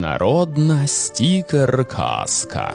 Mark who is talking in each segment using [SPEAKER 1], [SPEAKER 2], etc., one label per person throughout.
[SPEAKER 1] Народна стікер-казка.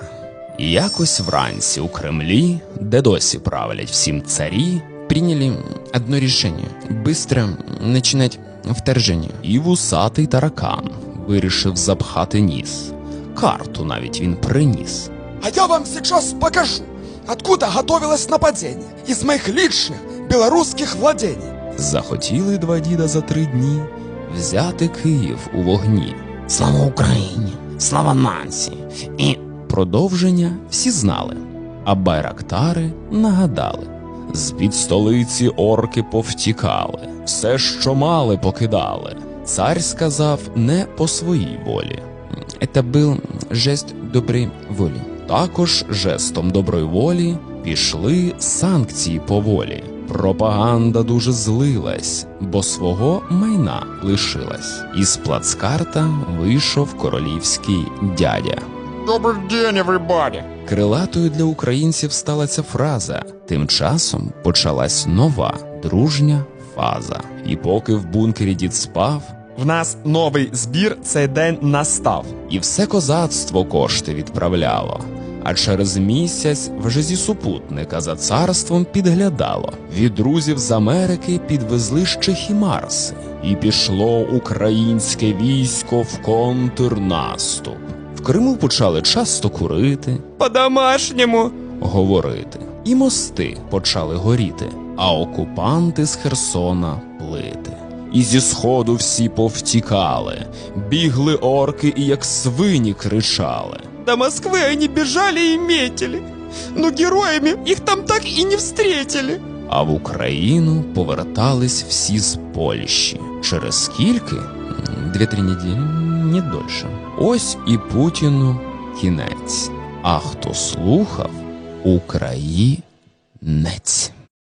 [SPEAKER 1] Якось вранці у Кремлі, де досі правлять всім царі, приняли одно решение – быстро начинать вторжение. І вусатий таракан вирішив запхати ніс. Карту навіть він приніс.
[SPEAKER 2] А я вам сейчас покажу, откуда готовилось нападение из моих личных белорусских владений.
[SPEAKER 1] Захотіли два діда за 3 дні взяти Київ у вогні. Слава Україні! Слава нації! І продовження всі знали, а байрактари нагадали. З-під столиці орки повтікали, все, що мали, покидали. Цар сказав не по своїй волі. Це був жест доброї волі. Також жестом доброї волі пішли санкції поволі. Пропаганда дуже злилась, бо свого майна лишилась. Із плацкарта вийшов королівський дядя.
[SPEAKER 2] Добрый день, everybody!
[SPEAKER 1] Крилатою для українців стала ця фраза. Тим часом почалась нова, дружня фаза. І поки в бункері дід спав,
[SPEAKER 2] В нас новий збір, цей день настав.
[SPEAKER 1] і все козацтво кошти відправляло. А через місяць вже зі супутника за царством підглядало. Від друзів з Америки підвезли ще хімарси. І пішло українське військо в контрнаступ. В Криму почали часто курити,
[SPEAKER 2] По-домашньому.
[SPEAKER 1] говорити. І мости почали горіти, а окупанти з Херсона плити. І зі сходу всі повтікали, бігли орки і як свині кричали.
[SPEAKER 2] До Москвы они бежали и метили, но героями их там так и не встретили.
[SPEAKER 1] А в Україну повертались всі з Польщі. Через скільки? 2-3 неділі, не дольше. Ось і Путіну кінець. А хто слухав, Українець.